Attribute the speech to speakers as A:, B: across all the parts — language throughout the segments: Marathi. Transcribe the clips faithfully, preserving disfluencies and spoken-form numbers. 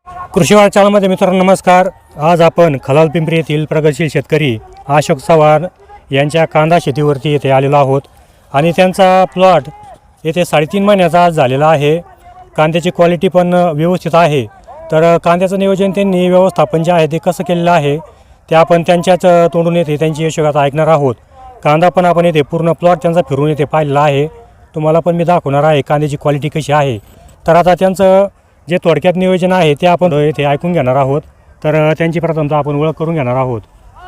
A: कृषीवाड चॅनलमध्ये मित्रांनो नमस्कार. आज आपण खलाल पिंपरी येथील प्रगतशील शेतकरी अशोक चव्हाण यांच्या कांदा शेतीवरती येथे आलेलो आहोत आणि त्यांचा प्लॉट येथे साडेतीन महिन्याचा आज झालेला आहे. कांद्याची क्वालिटी पण व्यवस्थित आहे. तर कांद्याचं नियोजन त्यांनी व्यवस्थापन जे आहे ते कसं केलेलं आहे ते आपण त्यांच्याच तोंडून येते त्यांची यशोगाथा ऐकणार आहोत. कांदा पण आपण येथे पूर्ण प्लॉट त्यांचा फिरून येथे पाहिलेला आहे. तुम्हाला पण मी दाखवणार आहे कांद्याची क्वालिटी कशी आहे. तर आता त्यांचं जे थोडक्यात नियोजन आहे ते आपण येथे ऐकून घेणार आहोत. तर त्यांची प्रथमतः आपण ओळख करून घेणार आहोत.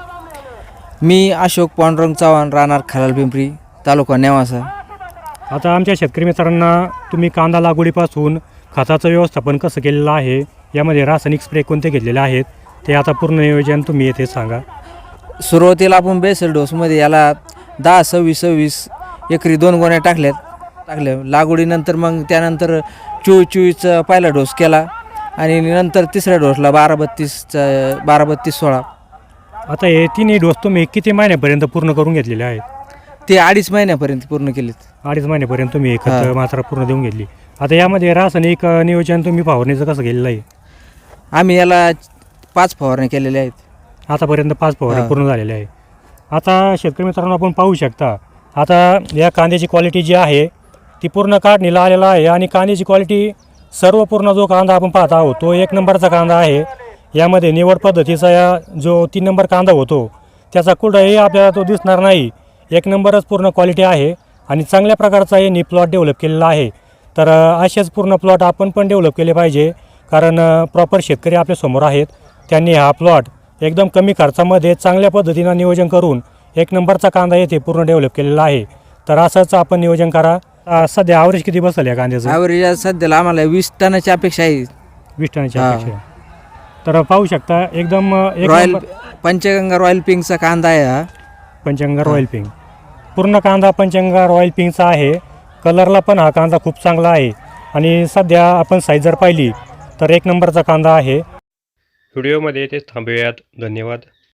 B: मी अशोक पांडुरंग चव्हाण, राहणार खलाल पिंपरी, तालुका नेवासा.
A: आता आमच्या शेतकरी मित्रांना तुम्ही कांदा लागवडीपासून खताचं व्यवस्थापन कसं केलेलं आहे, यामध्ये रासायनिक स्प्रे कोणते घेतलेले आहेत ते आता पूर्ण नियोजन तुम्ही येथे सांगा.
B: सुरुवातीला आपण बेसल डोसमध्ये याला दहा सव्वीस सव्वीस एकरी दोन गोण्या टाकल्यात टाकल्या लागवडीनंतर मग त्यानंतर चोवीस चोवीसचा पहिला डोस केला आणि नंतर तिसऱ्या डोसला बारा बत्तीसचा बारा बत्तीस सोळा.
A: आता हे तिन्ही डोस तुम्ही किती महिन्यापर्यंत पूर्ण करून घेतलेले आहेत?
B: ते अडीच महिन्यापर्यंत पूर्ण केलेत.
A: अडीच महिन्यापर्यंत तुम्ही खत मात्रा पूर्ण देऊन घेतली. आता यामध्ये रासायनिक नियोजन तुम्ही फवारणीचं कसं केलेलं आहे?
B: आम्ही याला पाच फवारण्या केलेल्या आहेत.
A: आतापर्यंत पाच फवारण्या पूर्ण झालेल्या आहे. आता शेतकरी मित्रांनो आपण पाहू शकता आता या कांद्याची क्वालिटी जी आहे ती पूर्ण काढणीला आलेला आहे आणि कांद्याची क्वालिटी सर्व पूर्ण जो कांदा आपण पाहत आहोत तो एक नंबरचा कांदा आहे. यामध्ये निवड पद्धतीचा या जो तीन नंबर कांदा होतो त्याचा कुठंही आपल्याला तो दिसणार नाही. एक नंबरच पूर्ण क्वालिटी आहे आणि चांगल्या प्रकारचा यांनी प्लॉट डेव्हलप केलेला आहे. तर असेच पूर्ण प्लॉट आपण पण डेव्हलप केले पाहिजे, कारण प्रॉपर शेतकरी आपल्यासमोर आहेत. त्यांनी हा प्लॉट एकदम कमी खर्चामध्ये चांगल्या पद्धतीनं नियोजन करून एक नंबरचा कांदा येथे पूर्ण डेव्हलप केलेला आहे. तर असंच आपण नियोजन करा. सध्या ॲव्हरेज किती बसलं या कांद्याचं?
B: ॲव्हरेज सध्याला आम्हाला वीस टनाची अपेक्षा आहे.
A: वीस टनाची अपेक्षा. तर पाहू शकता एकदम एक
B: रॉयल पंचगंगा रॉयल पिंकचा कांदा आहे हा.
A: पंचगंगा रॉयल पिंक पूर्ण कांदा पंचगंगा रॉयल पिंकचा आहे. कलरला पण हा कांदा खूप चांगला आहे आणि सध्या आपण साईज जर पाहिली तर एक नंबरचा कांदा आहे. व्हिडिओमध्ये तेच थांबूयात. धन्यवाद.